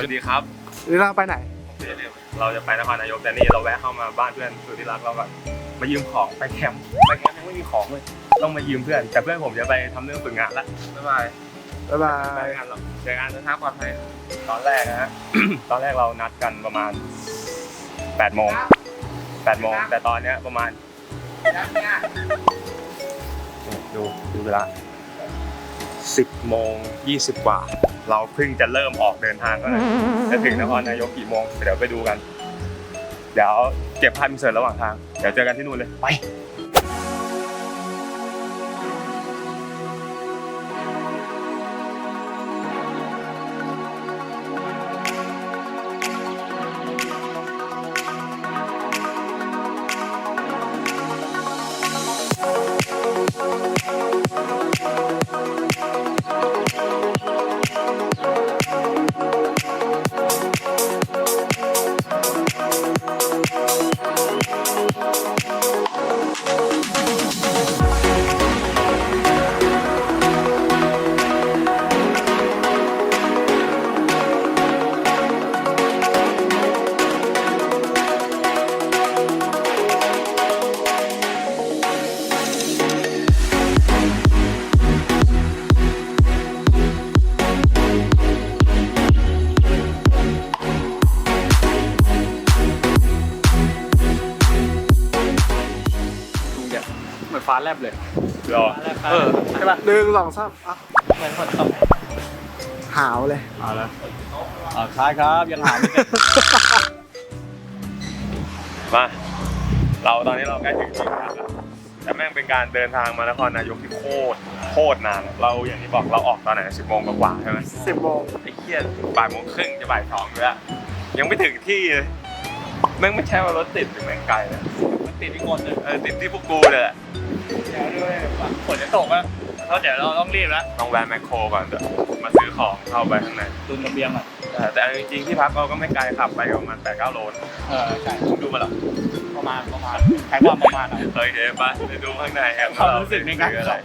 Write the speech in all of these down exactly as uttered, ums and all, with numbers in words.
วัสดีครับหรือเราไปไหนเราจะไปนครนายกแต่นี่เราแวะเข้ามาบ้านเพื่อนสุดที่รักเราก่อนมายืมของไปแคมป์ไปแคมป์ยังไม่มีของเลยต้องมายืมเพื่อนแต่เพื่อนผมจะไปทำเรื่องฝึกงานละบ๊ายบายบ๊ายบาไปยงานเราเจอกันนะครับปลอดภัยตอนแรกนะฮะ ตอนแรกเรานัดกันประมาณแปดโมงแปดโมงแต่ตอนเนี้ยประมาณดูดูเวลาสิบโมงยี่สิบกว่าเราเพิ่งจะเริ่มออกเดินทางแล้วนะจะถึงนครนายกกี่โมงเดี๋ยวไปดูกันเดี๋ยวเก็บภาพอินเสิร์ตระหว่างทางเดี๋ยวเจอกันที่นู่นเลยไปเหมือนฟ้าแลบเลยรอเออใช่ป่ะหนึ่งสองสามอ่ะเหมือนฝนตกหาวเลยเอาละอ่าคล้ายครับยังหาไม่เสร็จมาเราตอนนี้เราใกล้ถึงที่พักแล้วแต่แม่งเป็นการเดินทางมานครนายกที่โคตรโคตรนานเราอย่างที่บอกเราออกตอนไหนสิบโมงกว่าใช่ไหมสิบโมงไอ้เหี้ยบ่ายโมงครึ่งจะบ่ายสองอยู่แล้วยังไม่ถึงที่เลยแม่งไม่ใช่ว่ารถติดหรือแม่งไกลนะมันติดที่คนเลยเออติดที่พวกกูเลยแหละเดี๋ยวด้วยฝนจะตกอ่ะเพราะเดี๋ยวเราต้องรีบแล้วต้องแวะแมคโครก่อนเดี๋ยวมาซื้อของเข้าไปข้างในตุนกระเบียงอ่ะแต่แต่จริงๆที่พักเราก็ไม่ไกลขับไปประมาณแปดเก้าโลเออใช่ดูมาแล้วประมาณประมาณใช้ความประมาณอ่ะเคยเห็นปะไปดูข้างในแฮมความรู้สึกในการอะไร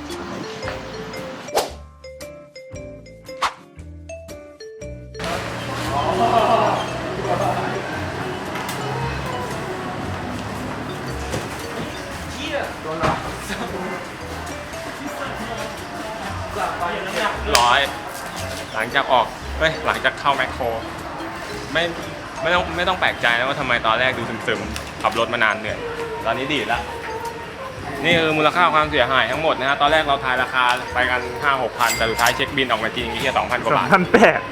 ร้อยหลังจากออกเฮ้ยหลังจากเข้าแมคโครไม่ไม่ต้องไม่ต้องแปลกใจนะว่าทำไมตอนแรกดูซึมๆขับรถมานานเหนื่อยตอนนี้ดีแล้วนี่คือมูลค่าความเสียหายทั้งหมดนะฮะตอนแรกเราทายราคาไปกันห้าหกพันแต่สุดท้ายเช็คบินออกมาจริงแค่สองพันกว่าบาทพันแปด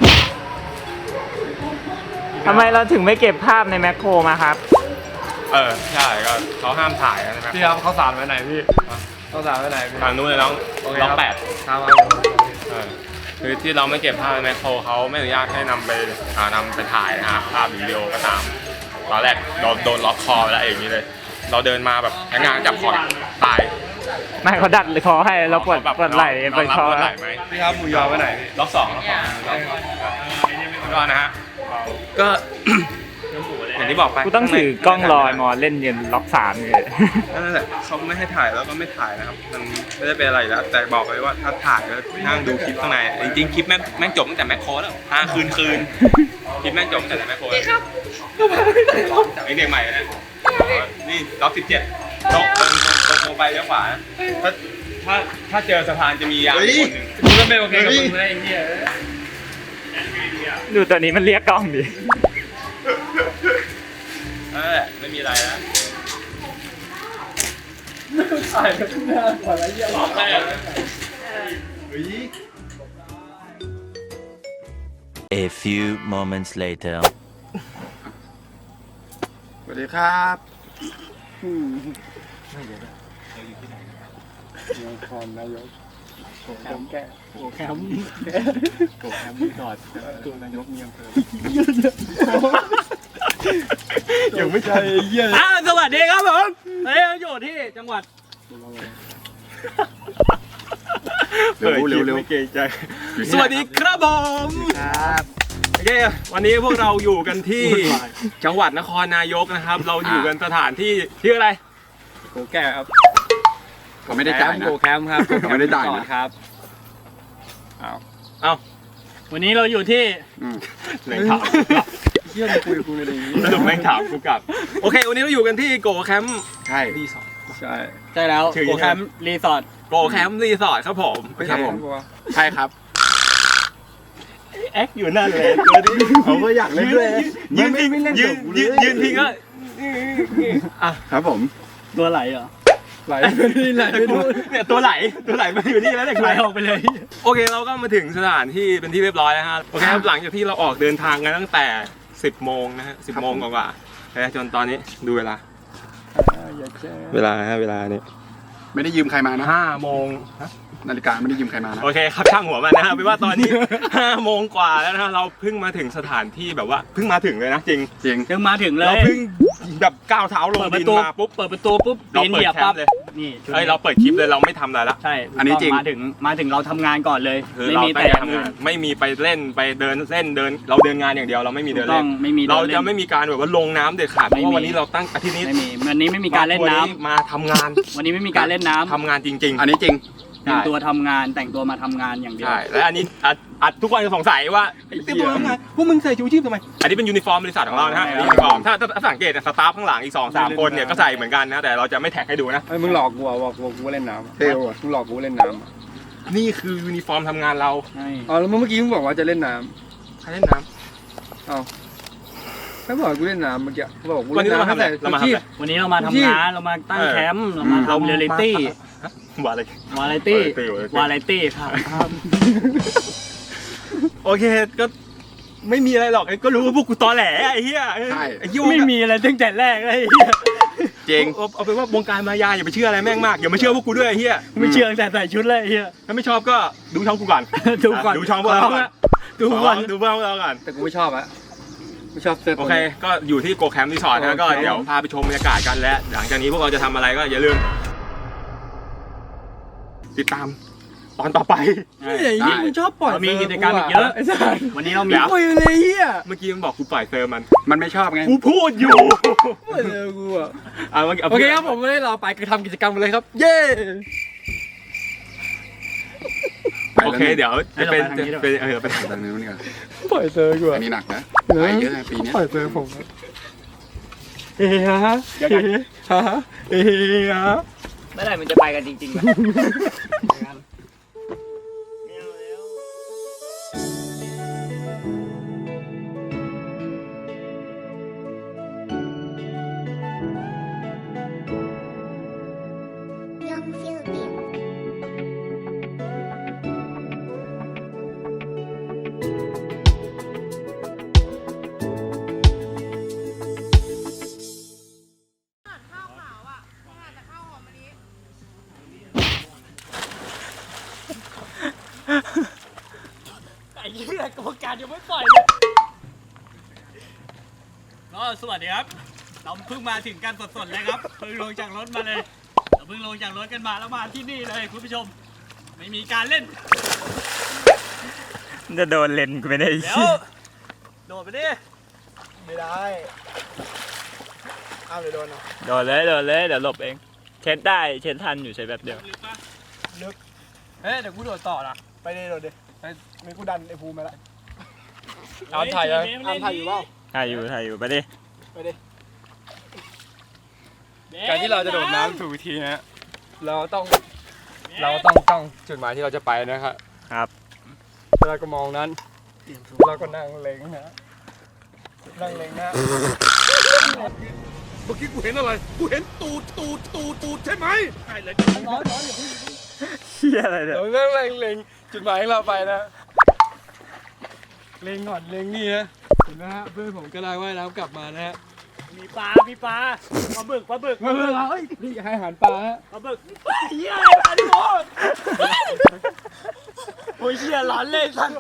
ทำไมเราถึงไม่เก็บภาพในแมคโครมาครับเออใช่ก็เขาห้ามถ่ายนะพี่ครับเขาสารไว้ไหนพี่เขาสารไว้ไหนพี่ทางนู้นเลยน้องน้องแปดครับเออคือที่เราไม่เก็บภาพในแมคโครเขาไม่อนุญาตให้นำไปอ่านำไปถ่ายนะฮะภาพหรือวิดีโอก็ตามตอนแรกเราโดนล็อกคอไปแล้วอย่างนี้เลย เราเดินมาแบบพนักงานจับคอตายไม่เขาดัดคอให้เราปวดแบบปวดไหล่ไปน้องรับคอปวดไหล่ไหมพี่ครับหมูยอไว้ไหนพี่ล็อกสองล็อกสองล็อกสองก็นะฮะก็ อย่างที่บอกไปกูต้องถือกล้องรอยมอเล่นเย็นล็อกสามเลยนั่นแหละเขาไม่ให้ถ่ายแล้วก็ไม่ถ่ายนะครับมันไม่ได้เป็นอะไรแล้วแต่บอกเลยว่าถ้าถ่ายแล้วนั่งดูคลิปข้างในจริงๆคลิปแม่งแม่งจบตั้งแต่แมคโครแล้วอ่าคืนคืนคลิปแม่งจบตั้งแต่แมคโครครับไอเด็กใหม่นะนี่ล็อกสิบเจ็ดตรงตรงตรงตรงไปเลี้ยวขวาถ้าถ้าถ้าเจอสะพานจะมียามคนหนึ่งมึงก็ไม่โอเคกับมึงเลยไอ้เหี้ยดูตัวนี้มันเรียกกล้องดินั่นแหละไม่มีอะไรนะถ่ายกันหน้าก่อนแล้วเหี้ยหลอกแม่ A few moments later. สวัสดีครับนครนายกโอ้แคมป์แกโอ้แคมป์โอ้แคมป์รีสอร์ทตัวนายกเมียงเพิ่มยังไม่ใช่เยี่ยอ่าสวัสดีครับผมเฮ้ยเราอยู่ที่จังหวัดเร็วเร็วเร็วเกรงใจสวัสดีครับผมครับโอเควันนี้พวกเราอยู่กันที่จังหวัดนครนายกนะครับ เราอยู่กันสถานที่ที่อะไรโกแก่ครับเขาไม่ได้จ่ายนะโกแคมป์ครับเขาไม่ได้จ่ายนะครับเอ้าวันนี้เราอยู่ที่แม่งถามเชื่อมคุยกับกูในนี้สรุปแม่งถามกูกลับโอเควันนี้เราอยู่กันที่โกแคมป์ใช่รีสอร์ทใช่ใช่แล้วชื่อโปรแกรมรีสอร์ทโกแคมป์รีสอร์ทครับผมครับผมใช่ครับแอคอยู่นั่นเลยตัวนี้เขาก็อยากเล่นด้วยยืนไม่พิงไม่เล่นยืนกับกูเลยืนยืนพิงก็อ่ะครับผมตัวไหลเหรอไหลไปนี่ไหลไปนู่นเนี่ยตัวไหลตัวไหลมาอยู่นี่แล้วเนี่ยไหลออกไปเลยโอเคเราก็มาถึงสถานที่เป็นที่เรียบร้อยแล้วฮะโอเคครับหลังจากที่เราออกเดินทางกันตั้งแต่สิบโมงนะฮะสิบโมงกว่าๆนะจนตอนนี้ดูเวลาอย่าแช่เวลาฮะเวลาเนี่ยไม่ได้ยืมใครมานะห้าโมงนาฬิกาไม่ได้ยืมใครมานะโอเคครับช่างหัวมันนะครับเป็นว่าตอนนี้ ห้าโมงกว่าแล้วนะเราเพิ่งมาถึงสถานที่แบบว่าเพิ่งมาถึงเลยนะจริงจริงถึงมาถึงเลยเราเพิ่งแบบก้าวเท้าลงเปิดปดิระนตูมาปุ๊บเปิดประตูปุ๊บเราปีนเปิดเหยียบแคมป์ปั๊บเลยนี่ชุดเอ้ยเราเปิดคลิปเลยเราไม่ทำอะไรละใช่อันนี้จริงมาถึงมาถึงเราทำงานก่อนเลยคือไม่เรามีตั้แต่งใจอย่างทำอื่งาน นไม่มีไปเล่นไปเดินเล่นเดิน เราเดินงานอย่างเดียวเราไม่มีถูเดิกนต้เล่องนไม่มีเราดินจะล่นไม่มีการแบบว่าลงน้ำเด็ดขาดเพไม่ราะมีว่าวันนี้เราตั้งอาทิตย์นี้ไม่มีวันนี้ไม่มีการเล่นน้ำครอบครัวมาทำงานวันนี้ไม่มีการเล่นน้ำทำงานจริงอันนี้จริงๆแต่งใช่ตัวทำงานแต่งตัวมาทำงานอย่างเดียวใช่และอันนี้อัดอัดทุกคนจะสงสัยว่าเต็มตัวทำงานพวกมึงใส่ชูชีพทำไมอันนี้เป็นยูนิฟอร์มบริษัทของเรานะฮะอันนี้ยูนิฟอร์มถ้าถ้าสังเกตสตาฟข้างหลังอีกสองสามคนเนี่ยก็ใส่เหมือนกันนะแต่เราจะไม่แท็กให้ดูนะไอ้มึงหลอกกูอ่ะบอกกูกูเล่นน้ำเท่ว่ะมึงหลอกกูเล่นน้ำนี่คือยูนิฟอร์มทำงานเราใช่อ๋อแล้วเมื่อกี้มึงบอกว่าจะเล่นน้ใครเล่นน้ำเอาไม่บอกกูเล่นน้ำเมื่อกี้บอกกูวันเล่นี้นเรามาน้ำทำอะไรเรามาทำอะไรวันนี้เรามาทำงานเรามาตั้งแคมป์เรามาทำเรียลลิตี้ำว่าอะไรวาไรตี้ Variety วาไรตี้ครับโอเคก็ไม่มีอะไรหรอกก็รู้ว่าพวกกูตอแหลไอ้เหี้ยใช่ไอ้เหี้ยไม่มีอะไรตั้งแต่แรกเลยไอ้เหี้ยจริงเอาเอาเป็นว่าวงการมายาอย่าไปเชื่ออะไรแม่งมากอย่ามาเชื่อพวกกูด้วยไอ้เหี้ยไม่เชื่อตั้งแต่ใส่ชุดเลยไอ้เหี้ยถ้าไม่ชอบก็ดูช่องกูก่อนดูก่อนดูช่องพวกเราก่อนดูก่อนดูพวกเราก่อนแต่กูไม่ชอบอะไม่ชอบเสื้อโอตัวเคนี้ก็อยู่ที่โกแคมป์รีสอร์ทนะก็โอเคเดี๋ยวพาไปชมบรรยากาศกันและหลังจากนี้พวกเราจะทำอะไรก็อย่าลืม ติดตามตอนต่อไปใช่ไอ้ยี่มึงชอบปล่อยเรามีกิจกรรมอีกเยอะไอ้สัสวันนี้เรามีเดี๋ยวปล่อยเลยเฮียเมื่อกี้มันบอกกูปล่อยเซอร์มันมันไม่ชอบไงกูพูดอยู่ปล่อยเลยกูอะอ่ะเมื่อกี้าโอเคครับผมไม่ได้รอไปคือทำกิจกรรมเลยครับ เย้โอเคเดี๋ยวจะเป็นจะเป็นเออไปทางนี้นี่ก่อนปล่อยเซอร์กูอันนี้หนักนะไปเยอะนะปีนี้ปล่อยเซอร์ผมเฮ้ยฮะฮะเฮ้ยฮะเมื่อไหร่มันจะไปกันจริงๆวะ Young Philippines. ไอ้เหี้ยกรรมการยังไม่ปล่อยเลยก็สวัสดีครับ เราเพิ่งมาถึงกันสดๆเลยครับเพิ่งลงจากรถมาเลยเราเพิ่งลงจากรถกันมาแล้วมาที่นี่เลยคุณผู้ชม ไม่มีการเล่นจะโดนเลนกูไม่ได้เดี๋ยวโดดไปดิไม่ได้อ้าวเดี๋ยวโดนนะโดนเลยโดนเลยเดี๋ยวหลบเองเช็ดได้เช็ดทันอยู่ใช้แบบเดียวลึกปะเฮ้ยเดี๋ยวกูโดดต่อนะไปดิโดดดิไปมีกูดันไอ้ภูมิมาแล้วเอาถ่ายยังเอาถ่ายอยู่เปล่าถ่ายอยู่ถ่ายอยู่ไปดิไปดิการที่เราจะโดดน้ำถูกวิธีนะเราต้องเราต้องต้องจุดหมายที่เราจะไปนะครับครับเราก็มองนั้นเราก็นั่งเล็งนะนั่งเล็งนะเมื่อกี้กูเห็นอะไร กูเห็นตูดตูดตูดตูดใช่ไหมใช่เลยเฮียอะไรเนี่ยเรานั่งเล็งเล็งจุดหมายของเราไปนะเล็งก่อนเล็งนี่นะเห็นไหมฮะเพื่อนผมก็ได้ว่ายน้ำกลับมานะฮะมีปลา มีปลาปลาบึกปลาบึกมาเพื่อนเราเอ้ยนี่ให้อาหารปลาฮะปลาบึกเฮียอะไรปลาดิโมโอ้ยเฮียร้อนเลยสัน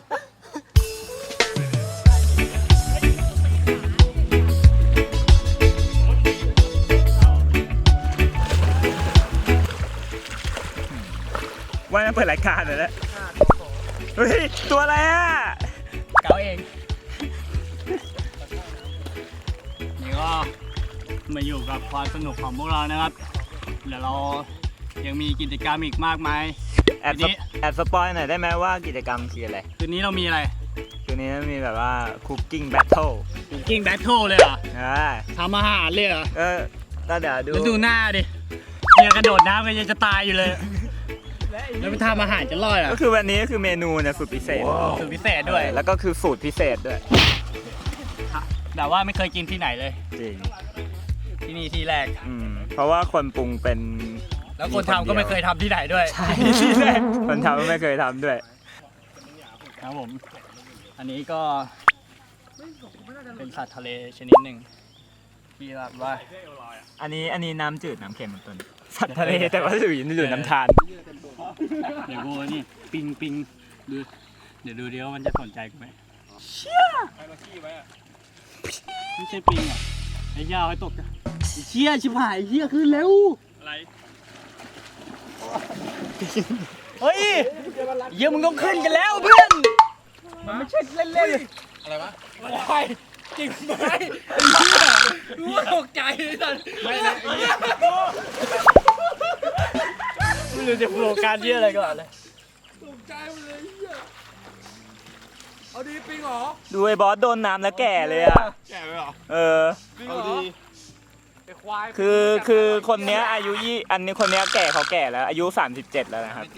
ว่าจะเปิดรายการเลยนะเฮ้ยตัวอะไรอ่ะเก๋าเอง นี่ก็มาอยู่กับความสนุกของพวกเรานะครับ เดี๋ยวเรายังมีกิจกรรมอีกมากมายแอบทีสนี้ปแอบสปอยหน่อยได้ไหมว่ากิจกรรมคืออะไรคืนนี้เรามีอะไรคืนนี้มีแบบว่า cooking battle กิ้งแบทเทิลเลยเหรออ่าทำอาหารเลยเหรอก็ก็เดี๋ยวดูแล้วดูหน้าดิเฮียกระโดดน้ำกันยังจะตายอยู่เลย แล้วไปทำอาหารจะรอดเหรอก็คือวันนี้ก็คือเมนูเนี่ยสุดพิเศษสูตรพิเศษด้วยแล้วก็คือสูตรพิเศษด้วยแต่ว่าไม่เคยกินที่ไหนเลยจริงที่นี่ที่แรกอืมเพราะว่าคนปรุงเป็นแล้วคนทำก็ไม่เคยทำที่ไหนด้วยใช่ที่แรกคนทำก็ไม่เคยทำด้วยครับผม อันนี้ก็เป็นสัตว์ทะเลชนิดหนึ่งที่แบบว่าอันนี้อันนี้น้ำจืดน้ำเค็มเป็นต้นสัตว์ทะเลแต่ว่าอยู่อยู่น้ำทานเดี๋ยวกูนี่ปิงปิงดูเดี๋ยวดูเดี๋ยวมันจะสนใจกูไหมไม่ใช่ปิงอ่ะไอ้ยาวไอ้ตกอะไอ้เชี่ยชิบหายไอ้เชี่ยขึ้นเร็วอะไรเฮ้ยเยี่ยมึงต้องขึ้นกันแล้วเพื่อนมันไม่ใช่เล่นๆอะไรวะวายจริงไหมไอ้เชี่ยกูตกใจเลยสัสไม่นะไม่รู้จะโฟกัสเชี่ยอะไรก่อนเลยดูไอ้บอสโดนน้ำแล้วแก่เลยอ่ะแก่ไปหรอเออคือคือคนเนี้ยอายุยี่อันนี้คนเนี้ยแก่เขาแก่แล้วอายุสามสิบเจ็ดแล้วนะครับ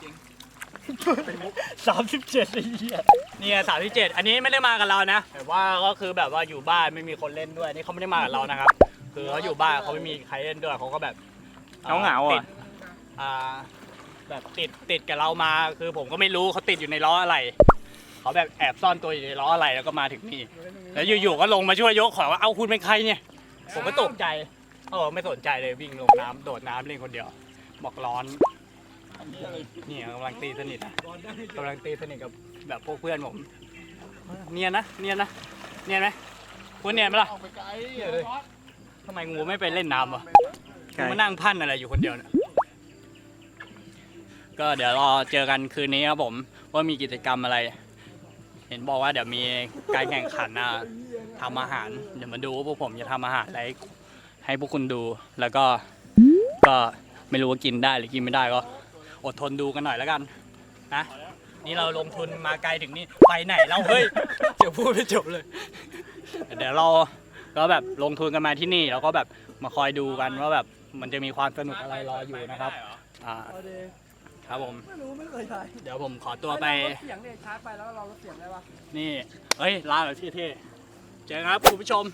สามสิบเจ็ดไอ้เหี้ยเนี่ยสามสิบเจ็ดอันนี้ไม่ได้มากับเรานะแต่ว่าก็คือแบบว่าอยู่บ้านไม่มีคนเล่นด้วยนี่เขาไม่ได้มากับเรานะครับ คือเขาอยู่บ้านเขาไม่มีใครเล่นด้วยเขาก็แบบเหงาๆอ่ะติดอ่าแบบติดติดกับเรามาคือผมก็ไม่รู้เขาติดอยู่ในล้ออะไรเขาแบบแอบซ่อนตัวอยู่ในล้ออะไรแล้วก็มาถึงนี่แล้วอยู่ๆก็ลงมาช่วยยกของว่าเอาคุณเป็นใครเนี่ยผมก็ตกใจเออไม่สนใจเลยวิ่งลงน้ำโดดน้ำเล่นคนเดียวบอกร้อนนี่กำลังตีสนิทอะกำลังตีสนิทกับแบบพวกเพื่อนผมเนียนนะเนียนนะเนียนไหมคุณเนียนไหมล่ะทำไมงูไม่ไปเล่นน้ำวะมานั่งพันอะไรอยู่คนเดียวเนี่ยก็เดี๋ยวรอเจอกันคืนนี้ครับผมว่ามีกิจกรรมอะไร เห็นบอกว่าเดี๋ยวมีการแข่งขันนะทำอาหารเดี๋ยวมาดูว่าพวกผมจะทำอาหารอะไรให้พวกคุณดูแล้วก็ก็ไม่รู้ว่ากินได้หรือกินไม่ได้ก็อดทนดูกันหน่อยแล้วกันนะนี่เราลงทุนมาไกลถึงนี่ไปไหนเราเฮ้ยเดี๋ยวพูดไม่จบเลย เดี๋ยวเราก็แบบลงทุนกันมาที่นี่แล้วก็แบบมาคอยดูกันว่าแบบมันจะมีความสนุกอะไรรออยู่นะครับอ่าครับผมเดี๋ยวผมขอตัวไปเสียงเนี่ยชาร์จไปแล้วเราเสียงได้ปะนี่เฮ้ยลาแบบเท่ๆเจอกันครับคุณผู้ชม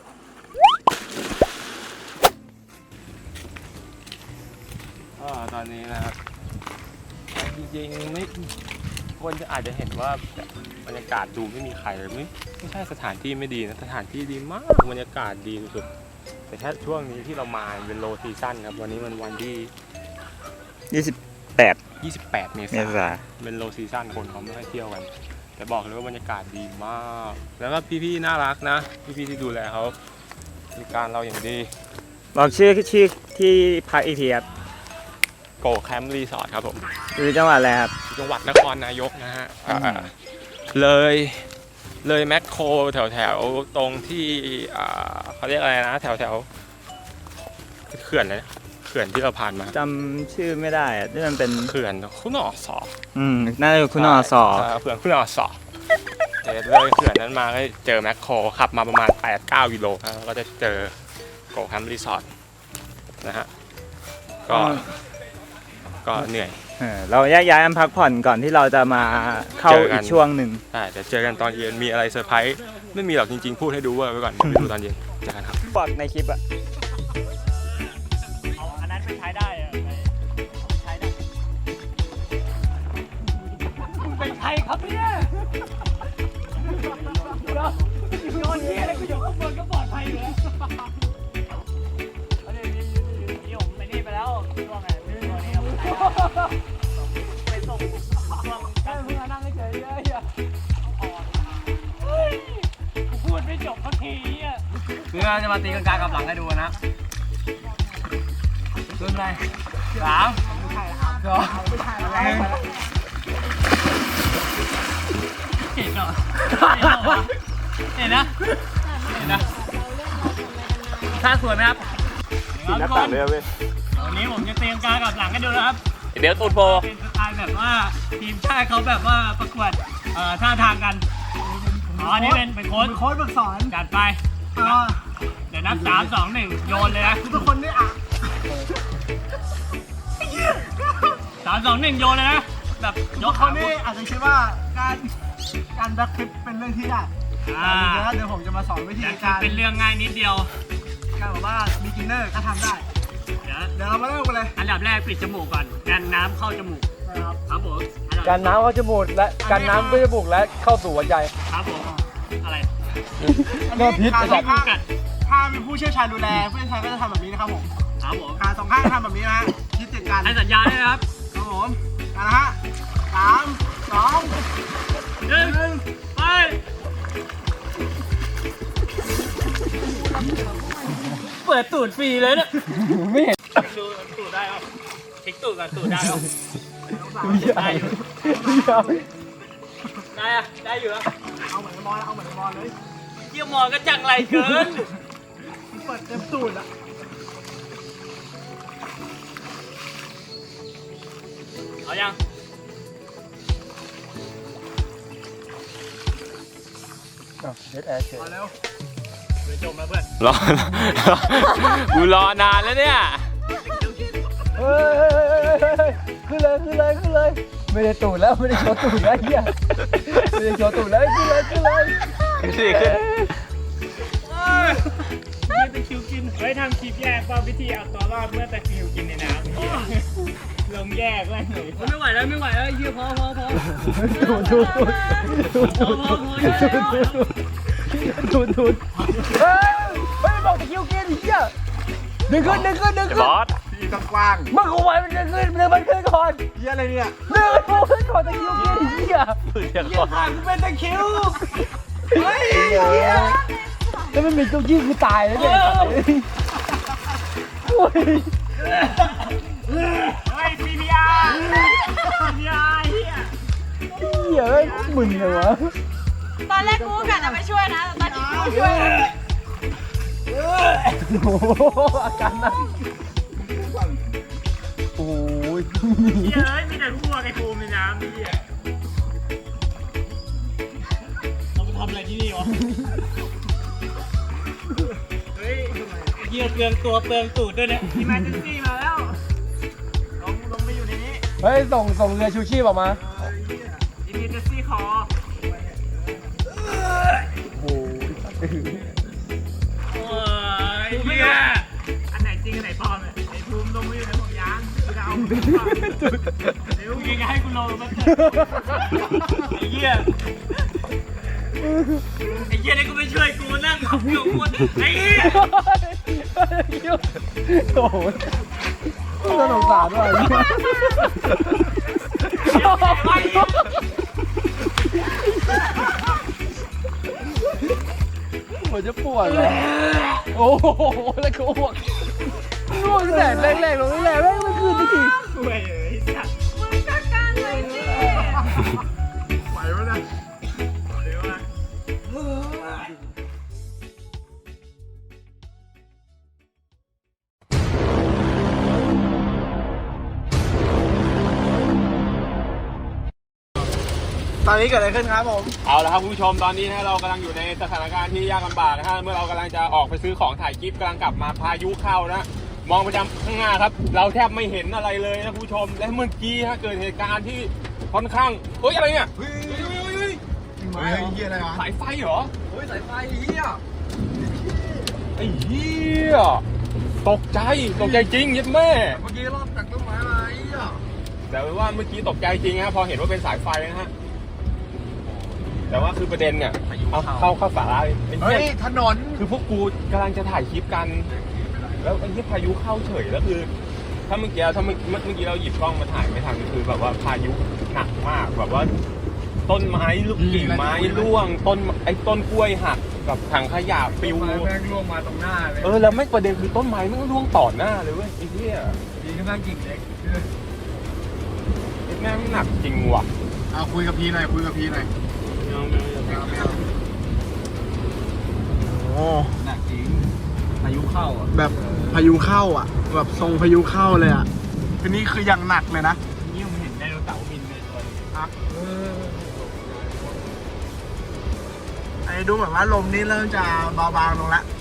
ก็ตอนนี้นะครับจริงๆไม่คนจะอาจจะเห็นว่าบรรยากาศดูไม่มีใครเลยไม่ไม่ใช่สถานที่ไม่ดีนะสถานที่ดีมากบรรยากาศดีสุดแต่แค่ช่วงนี้ที่เรามาเป็นโลซีซั่นครับวันนี้มันวันที่ยี่สิบแปดยี่สิบแปดเมเมษาษาเป็นโลซีซั่นคนเขาไม่ค่อยเที่ยวกัน แต่บอกเลยว่าบรรยากาศดีมาก แล้วก็พี่ๆน่ารักนะพี่ๆที่ดูแลเขาบริการเราอย่างดีบอกชื่อชื่อที่พักอีกทีครับโกแคมป์รีสอร์ทครับผมอยู่จังหวัดอะไรครับจังหวัดนครนายกนะฮะอ่าเลยเลยแมคโครแถวแถวๆตรงที่อ่าเขาเรียกอะไรนะแถวแถวๆเขื่อนเลยนะเขื่อนที่เราผ่านมาจำชื่อไม่ได้อะที่มันเป็นเขื่อนคุณอสออืมน่าจะคุณอสอใช่เขื่อนคุณอสอเดี๋ยวเลยเขื่อนนั้นมาก็เจอแมคโครขับมาประมาณ แปดเก้า กิโลครับแล้วก็จะเจอโกแคมป์รีสอร์ทนะฮะก็ก็เหนื่อยเออเราแยกย้ายกันพักผ่อนก่อนที่เราจะมาเข้าเจอกัอีนกช่วงหนึ่งใช่เดี๋ยวเจอกันตอนเย็นมีอะไรเซอร์ไพรส์ไม่มีหรอกจริงๆพูดให้ดูเวอร์ไว้ก่อนเดี๋ยวไปดูตอนเย็นเจอกันครับบอกในคลิปอะเอาอันนั้นไปใช้ได้อะไปใช้ได้คุณเป็นใครครับเนี่ยเดี๋ยวโยนที่อะไรกูอยู่ข้างบนก็ปลอดภัยอยู่แล้วเอาดินี่ผมไปนี่ไปแล้วช่วงไหนไม่รู้นี่ครับไปส่งช่วงการเพิ่งนั่งเฉยๆเลยอ่ะเฮ้ยกูพูดไม่จบสักทีอ่ะเพื่อจะมาตีกันกลางกับหลังให้ดูนะขึ้นไปสามสองหนึ่งเห็นเหรอเห็นนะเห็นนะท่าสวยไหมครับหน้าต่างเลยเว้ยวันนี้ผมจะเตรียมการกับหลังให้ดูนะครับเดี๋ยวตูดโพเป็นสไตล์แบบว่าทีมชาติเขาแบบว่าประกวดเอ่อท่าทางกัน อ๋ออันนี่เป็นเป็นโค้ชโค้ชฝึกสอนจัดไปเดี๋ยวนับสามสองหนึ่งโยนเลยนะทุกคนนี่อ่ะสามสองหนึ่งโยนเลยนะแบบยกคนนี่อาจจะคิดว่าการการแบ็คฟลิปเป็นเรื่องที่ยากอ่าเดี๋ยวผมจะมาสอนวิธีการเป็นเรื่องง่ายนิดเดียวการบอกว่าบิ๊กินเนอร์ก็ทำได้เดี๋ยวเดี๋ยวเรามาเริ่มกันเลยอันดับแรกปิดจมูกก่อนกันน้ำเข้าจมูกครับครับผมการน้ำเข้าจมูกและการน้ำเข้าจมูกและเข้าสู่หัวใจครับผมอะไรเนื้อพิษการไอ้สสัอตงว์ข้างถ้ามีผู้เชี่ยวชาญดูแลผู้เชี่ยวชาญก็จะทำแบบนี้นะครับผมครับผมการสองข้างทำแบบนี้นะคิดติดกันให้สัญญาด้วยนะครับครับผมกันนะฮะสามสองหนึ่งไปเปิดตูดฟรีเลยเนี่ยไม่เห็นดูตูดได้ป่ะเช็คตูดก่อนตูดได้ป่ะได้อยู่ได้อะได้อยู่อะเอาเหมือนบอลเอาเหมือนบอลเลยเยี่ยมมองก็จังไรเกินเปิดเต็มตูดอะเอายังเด็ดแอร์เฉยมาเร็วเดี๋ยวจมมาเพื่อนรอกูรอนานแล้วเนี่ยเฮ้ยขึ้นเลยขึ้นเลยขึ้นเลยไม่ได้ตูดแล้วไม่ได้โชว์ตูดแล้วเฮียไม่ได้โชว์ตูดแล้วขึ้นเลยขึ้นเลยสิขึ้นนี่เป็นคิวกินเฮ้ยทำคลิปแยกว่าวิธีเอาตัวรอดเมื่อตะคริวกินในน้ำลงแยกเลยไม่ไหวแล้วไม่ไหวแล้วเฮียพอพอพอตูดตูดตูดตูดตูดตูดตูดตูดเฮ้ยเฮ้ยบอกตะคิวกินเฮียดึงขึ้นดึงขึ้นดึงขึ้นบอสมึงเอาไว้มันจะขึ้นดึงมันขึ้นก่อนเฮียอะไรเนี่ยดึงมันขึ้นก่อนตะคิวกินเฮียเดี๋ยวก่อนกูเป็นตะคริวเฮ้ยแล้วมันมีเก้าอี้คือตายแล้วเนี่ยโอ้ยเฮ้ย ซี พี อาร์ ซี พี อาร์ เฮียเฮียเอ้ยมึนเลยวะตอนแรกกูกะจะไปช่วยนะแต่ตอนนี้กูช่วยแล้วโอ้โหอาการหนักโอ้ยเฮียเอ้ยมีแต่พวกไอ้ภูมิในน้ำนี่เฮียเราไปทำอะไรที่นี่วะ เฮ้ยเฮียเปลืองตัวเปลืองตูดด้วยเนี่ยอีแมนเจนซี่มาแล้วลงลงไปอยู่ในนี้เฮ้ยส่งส่งเรือชูชีพออกมาอีแมนเจนซี่คอโอ้ยโอ้ยเฮียอันไหนจริงอันไหนปลอมเนี่ยไอ้ภูมิลงไปอยู่ในห่วงยางกูจะเอามึงก่อนเดี๋ยวมึงจะให้กูลงมาเถอะไอ้เหี้ยไอ้เหี้ยนี่กูไม่ช่วยกูนั่งขับเกี่ยวกูไอ้เหี้ยโอ้โหน่าสงสารว่ะหัวจะปวดเลยโอ้โหแล้วก็อ้วกอ้วกแต่แรกๆลงแรกๆไม่ไม่คืนสักทีกูไอ้เอ้ยสัตว์มึงก็การเลยสิไหววะนะเดี๋ยวนะตอนนี้เกิดอะไรขึ้นครับผมเอาละครับคุณผู้ชมตอนนี้นะเรากำลังอยู่ในสถานการณ์ที่ยากลำบากนะฮะเมื่อเรากำลังจะออกไปซื้อของถ่ายคลิปกำลังกลับมาพายุเข้านะมองไปยังข้างหน้าครับ เราแทบไม่เห็นอะไรเลยนะคุณผู้ชมและเมื่อกี้ฮะเกิดเหตุการณ์ที่ค่อนข้างเฮ้ยอะไรเนี่ยเฮ้ยเฮ้ยเฮ้ยเฮ้ยเฮียอะไรวะสายไฟเหรอเฮ้ยสายไฟเฮียไอ้เหี้ยตกใจตกใจจริงยัดแม่เมื่อกี้รอบจากต้นไม้มาเฮียแต่ว่าเมื่อกี้ตกใจจริงฮะพอเห็นว่าเป็นสายไฟนะฮะแต่ว่าคือประเด็นเนี่ยเอาเข้าเข้าสาระเลยไอ้เฮ้เหี้ยยถนนคือพวกกูกำลังจะถ่ายคลิปกัน แล้วไอ้ที่พายุเข้าเฉยแล้วคือ ถ้าเมื่อกี้ถ้าเมื่อเมื่อกี้เราหยิบกล้องมาถ่ายไม่ทันคือแบบว่าพายุหนักมากแบบว่า ต้นไม้ลูกกิ่งไม้ร่วงต้นไอ้ต้นกล้วยหักกับถังขยะปิวแม่งร่วงมาตรงหน้าเลยเออแล้วไม่ประเด็นคือต้นไม้ไม่ร่วงต่อหน้าเลยเว้ยไอ้เหี้ยดีก็นั่งกิ่งเล็กไอ้แม่งหนักจริงว่ะเอาคุยกับพี่หน่อยคุยกับพี่หน่อยโอ้หนักจริงพายุเข้าอ่ะแบบพายุเข้าอ่ะแบบทรงพายุเข้าเลยอ่ะคืนนี้คือยังหนักเลยนะนี่ผมเห็นไดโนเสาร์บินเลยตัวนี้อันนี้ดูเหมือนว่าลมนี่เริ่มจะเบาบางลงแล้ว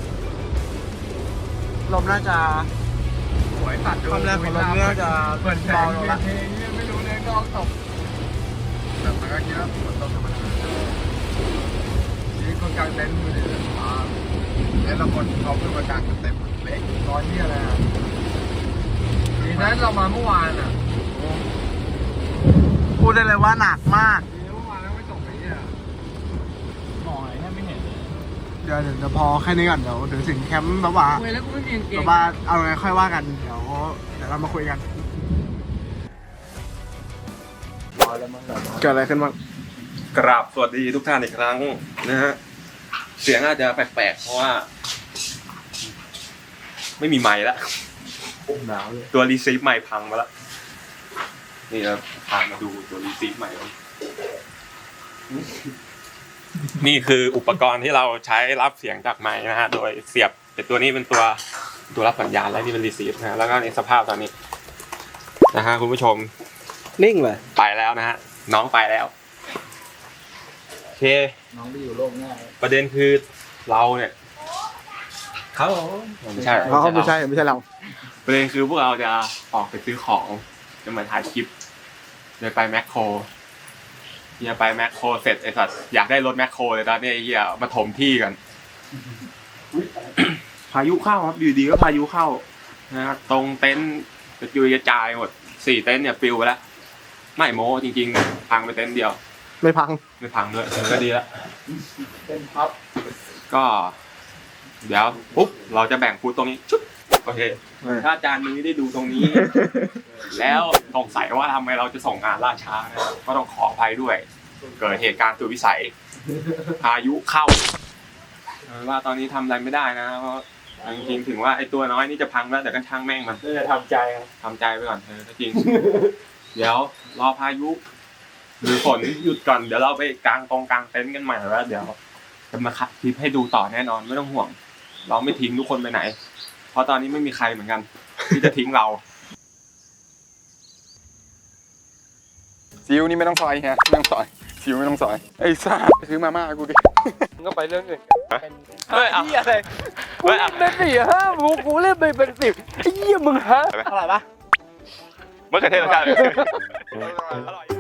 ลมน่าจะสวยตัดความแรงของลมน่าจะเบาลงแล้วไม่รู้เลยก็ตกแต่มันก็คิดว่าฝนตกธรรมดาชีวิตคนกลางเต็นท์มือถืออ่าแล้วเราคนเขาขึ้นมากลางกันเต็มเล็กร้อยที่อะไรอ่ะทีนั้นเรามาเมื่อวานอ่ะพูดได้เลยว่าหนักมากเมื่อวานแล้วไม่ตกไหนเนี่ยมองอะไรแทบไม่เห็นเลยเดี๋ยวเดี๋ยวพอแค่นี้ก่อนเดี๋ยวถึงถึงแคมป์แบบว่าแบบว่าเอาไงค่อยว่ากันเดี๋ยวเดี๋ยวเรามาคุยกันเกิดอะไรขึ้นบ้างกราบสวัสดีทุกท่านอีกครั้งนะฮะเสียงอาจจะแปลกๆเพราะว่า ไม่มีไมค์ละตัวรีซีฟไมค์พังมาแล้วนี่เราพามาดูตัวรีซีฟไมค์นี่คืออุปกรณ์ที่เราใช้รับเสียงจากไมค์นะฮะโดยเสียบแต่ตัวนี้เป็นตัวตัวรับสัญญาณและนี่เป็นรีซีฟนะฮะแล้วก็ในสภาพตอนนี้นะฮะคุณผู้ชมนิ่งเลยไปแล้วนะฮะน้องไปแล้วโอเคน้องไปอยู่โลกหน้าประเด็นคือเราเนี่ยเขาไม่ใช่เขาไม่ใช่ไม่ใช่เราประเด็นคือพวกเราจะออกไปซื้อของจะมาถ่ายคลิปโดยไปแมคโครเนี่ยไปแมคโครเสร็จไอ้สัตว์อยากได้รถแมคโครเลยตอนนี้ไอ้เหี้ยมาถมที่กัน พายุเข้าครับอยู่ดีก็พายุเข้านะครับตรงเต็นท์กระจุยกระจายหมดสี่เต็นท์เนี่ยปิวไปแล้วไม่โม้จริงๆพังไปเต็นท์เดียวไม่พังไม่พังด้วยเออก็ดีแล้วเป็นพับก็ เดี๋ยวปุ๊บเราจะแบ่งฟูดตรงนี้ชุบโอเคถ้าอาจารย์นี้ได้ดูตรงนี้ แล้วสงสัยว่าทำไมเราจะส่งงานล่าช้านะครับก็ต้องขออภัยด้วย เกิดเหตุการณ์สุดวิสัยพายุเข้าเอาเป็นว่าตอนนี้ทำอะไรไม่ได้นะเพราะจริงๆถึงว่าไอ้ตัวน้อยนี่จะพังแล้วแต่ก็ช่างแม่งมันจะทำใจครับทำใจไปก่อนเออจริง เดี๋ยวรอพายุหรือฝนหยุดก่อนเดี๋ยวเราไปกางตรงกางเต็นท์กันใหม่แล้วเดี๋ยวจะมาคัดคลิปให้ดูต่อแน่นอนไม่ต้องห่วง เราไม่ทิ้งทุกคนไปไหน เพราะตอนนี้ไม่มีใครเหมือนกัน ที่จะทิ้งเราซิวนี่ไม่ต้องซอยฮะไม่ต้องซอยซิวไม่ต้องซอยไอ้ซ่าไปซื้อมาม่ากูดิมึงก็ไปเรื่องอื่นเฮ้ยเอาเหี้ยอะไรเฮ้ยเอาเป็นสี่ห้ากูกูเล่นไปเป็นสิบไอ้เหี้ยมึงฮะเมื่อกี้เทศกาลอร่อย